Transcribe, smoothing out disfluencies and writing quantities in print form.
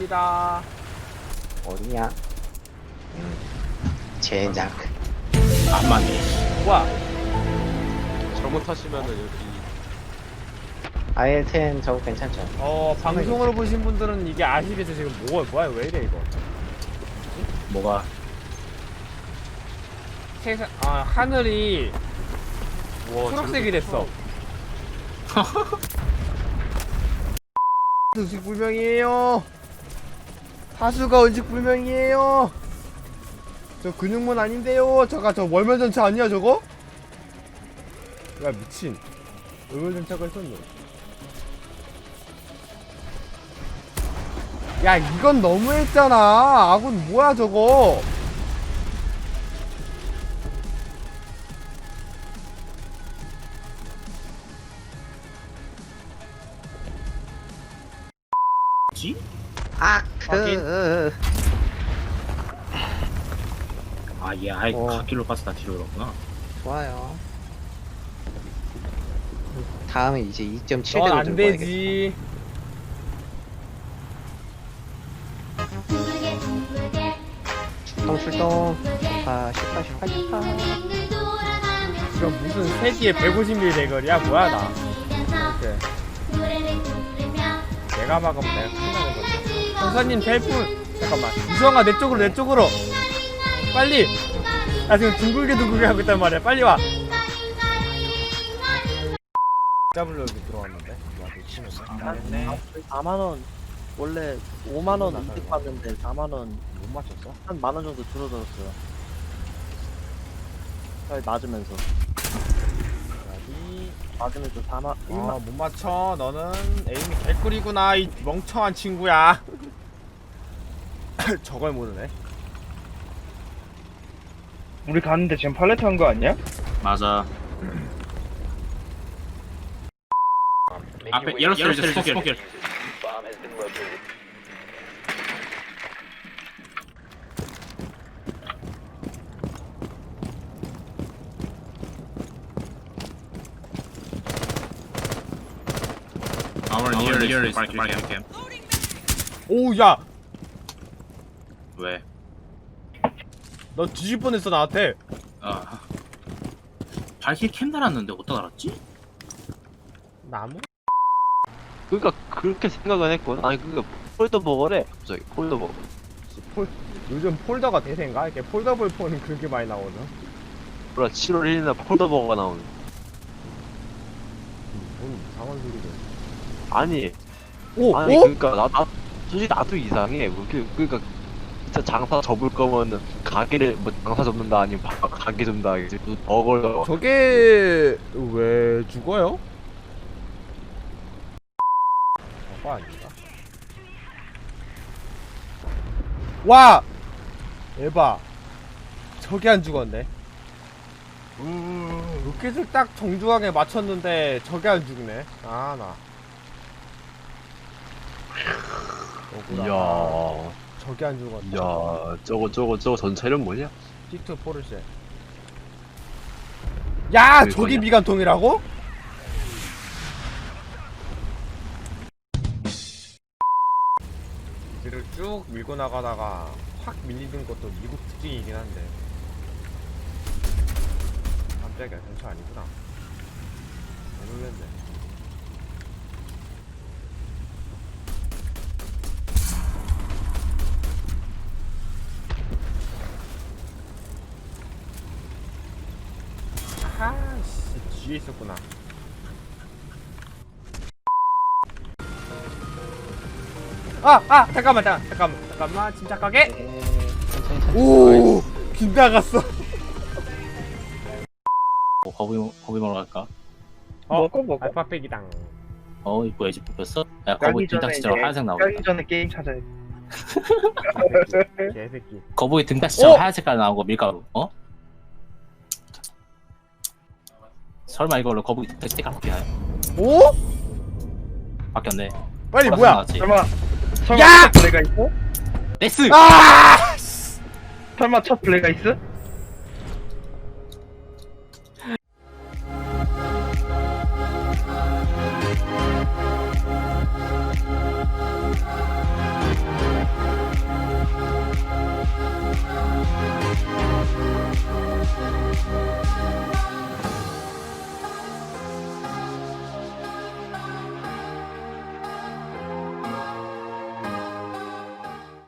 갑니다. 어디냐? 젠장. 안 맞네. 뭐야? 잘못하시면은 여기 IL-10 저거 괜찮죠? 방송으로 보신 분들은 이게 아시겠죠? 지금 뭐야, 왜 이래, 이거? 뭐가? 하늘이 초록색이 됐어. 의식 불명이에요. 하수가 의식 불명이에요. 저 근육문 아닌데요. 저 월면전차 아니야 저거? 야 미친. 월면전차가 있었네. 야 이건 너무했잖아. 아군 뭐야 저거? 지? 아크. 아, 얘 아예 어. 갓길로 가서 다 뒤로 그렇구나. 좋아요. 다음에 이제 2.7대로 넌 들고 안 되지. 출동. 슈파. 이건 무슨 세기에 150mm 대결이야? 뭐야 나. 이렇게. 내가 막으면 내가 큰일 나는 거지. 형사님 벨풍. 잠깐만. 이수왕아 내 쪽으로. 빨리. 나 지금 둥글게 하고 있단 말이야. 빨리 와. W 여기 들어왔는데. 와 미치겠어. 네. 4만원 원래 5만원 이득 받는데 4만원 못 맞췄어? 한 만원 정도 줄어들었어요. 맞으면서 여기. 맞으면서 4만 1만 못 맞춰. 너는 에임이 개꿀이구나 이 멍청한 친구야. 저걸 모르네. 우리 가는데 지금 팔레트 한 거 아니야? 맞아. 앞에 열었어, 이제 스포길. Our near is Barking camp. 오 야. 왜? 너 뒤질 뻔했어 나한테. 아, 발길 캠 달았는데 어디다 달았지? 나무? 그러니까 그렇게 생각은 했거든. 아니 그니까 폴더버거래. 갑자기 폴더버거. 요즘 폴더가 대세인가? 이렇게 폴더블 폰이 그렇게 많이 나오는. 몰라 7월 1일날 폴더버거가 나오는. 뭔 이상한 소리를. 아니 오! 아니 오? 그러니까 나 솔직히 나도 이상해. 그러니까 진짜 장사 접을 거면은 가게를 뭐 장사 접는다 아니면 가게 접는다 이제 버거를 저게 왜 죽어요? 저거 아닌가? 와! 에바 저게 안 죽었네. 로켓을 딱 정중하게 맞췄는데 저게 안 죽네. 아 나. 억울하다. 이야 저게 안 죽었네. 이야 저거 전체는 뭐냐? T2 포르쉐. 야! 그거냐? 저기 미간통이라고? 뒤를 쭉 밀고 나가다가 확 밀리는 것도 미국 특징이긴 한데. 깜짝이야, 전차 아니구나. 안 놀랬네. 아하, 씨, 뒤에 있었구나. 잠깐만, 침착하게. 오, 빗나갔어. 거북이 먹으러 갈까? 먹어. 알파백이당. 이거 애집 뽑혔어? 야, 거북이 등딱지처럼 하얀색 나오겠다. 까기 전에 게임 찾아야 돼. 개새끼. 거북이 등딱지처럼 어? 하얀 색깔 나온 거 밀가루. 설마 이걸로 거북이 등딱지 바뀌나요? 오? 바뀌었네. 빨리 보라색 뭐야? 나왔지? 설마 야! 첫 블레가 있어? 넥스! 아! 설마 첫 블레가 있어?